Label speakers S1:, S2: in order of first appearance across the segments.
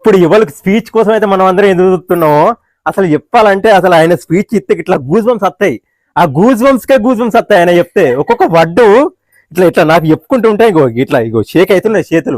S1: ఇప్పుడు ఎవరికి స్పీచ్ కోసం అయితే మనం అందరం ఎదుగుతున్నామో అసలు చెప్పాలంటే అసలు ఆయన స్పీచ్ ఇస్తే ఇట్లా గూజ్ బంప్స్ వస్తాయి. ఆ గూజ్ బంప్స్ వస్తాయి ఆయన చెప్తే. ఒక్కొక్క వడ్డు ఇట్లా ఇట్లా నాకు చెప్పుకుంటూ ఉంటాయి. ఇగో షేక్ అవుతున్నాయి చేతులు.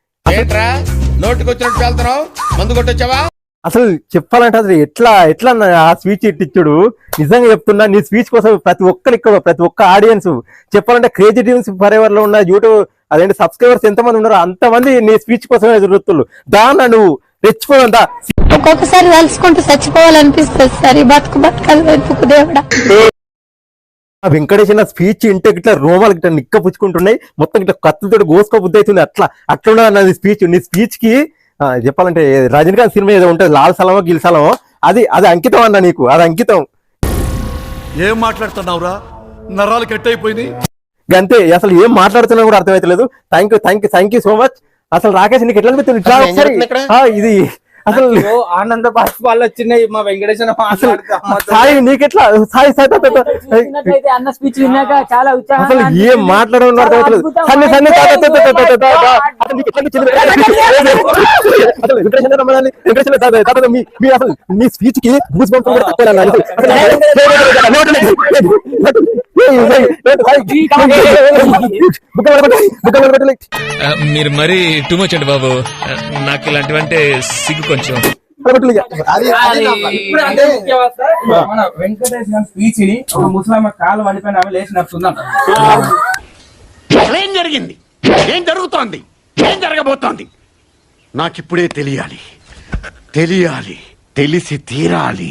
S1: అసలు చెప్పాలంటే అసలు ఎట్లా ఆ స్పీచ్ ఇట్టిచ్చుడు. నిజంగా చెప్తున్నా, నీ స్పీచ్ కోసం ప్రతి ఒక్కరు ఇక్కడ ప్రతి ఒక్క ఆడియన్స్ చెప్పాలంటే క్రేజీ టీమ్స్ ఫర్ ఎవర్ లో ఉన్న యూట్యూబ్ అదేంటి సబ్స్క్రైబర్స్ ఎంతమంది ఉన్నారో అంతమంది నీ స్పీచ్ కోసమే ఎదురుతున్నారు. దాన్ని నువ్వు రెచ్చిపోదా
S2: ఒక్కొక్కసారి తలుచుకుంటూ చచ్చిపోవాలనిపిస్తుంది సార్. ఈ బతుకలు వెతుకు దేవుడా.
S1: వెంకటేష్ స్పీచ్ ఇంటే ఇట్లా రోమాలు ఇట్లా నిక్క పుచ్చుకుంటున్నాయి, మొత్తం ఇట్లా కత్తులతో గోసుకో బుద్ధి అవుతుంది. అట్లా అన్నది స్పీచ్. నీ స్పీచ్ కి చెప్పాలంటే రజనీకాంత్ సినిమా ఏదో ఉంటుంది లాల్ సలమో గిల్ సలమో, అది అంకితం అన్న నీకు. అది అంకితం.
S3: ఏం మాట్లాడుతున్నావురా, నరాలు కట్ అయిపోయింది
S1: అంతే. అసలు ఏం మాట్లాడుతున్నా కూడా అర్థమైతలేదు. Thank you so much. అసలు రాకేష్ నీకు ఎట్లా అనిపిస్తుంది ఇది? అసలు
S4: ఆనంద బాష్పాలు వచ్చినాయి మా వెంకటేశ్వర.
S1: సాయి నీకెట్లా సాయి
S5: అన్న స్పీచ్ విన్నాక చాలా ఉత్సాహం.
S1: అసలు ఏం మాట్లాడడం అర్థమవుతలేదు. మీ స్పీచ్ కి
S6: మీరు మరీ టూ మచ్ అండి బాబు. నాకు ఇలాంటివంటే సిగ్గు కొంచెం.
S4: మన వెంకటేష్ స్పీచ్ ని ఒక ముసలమ్మ కాలు పడిపోయిన ఆమె లేచి నడుస్తుందంట.
S3: ఏం జరిగింది, ఏం జరుగుతోంది, ఏం జరగబోతోంది నాకిప్పుడే తెలియాలి, తెలిసి తీరాలి.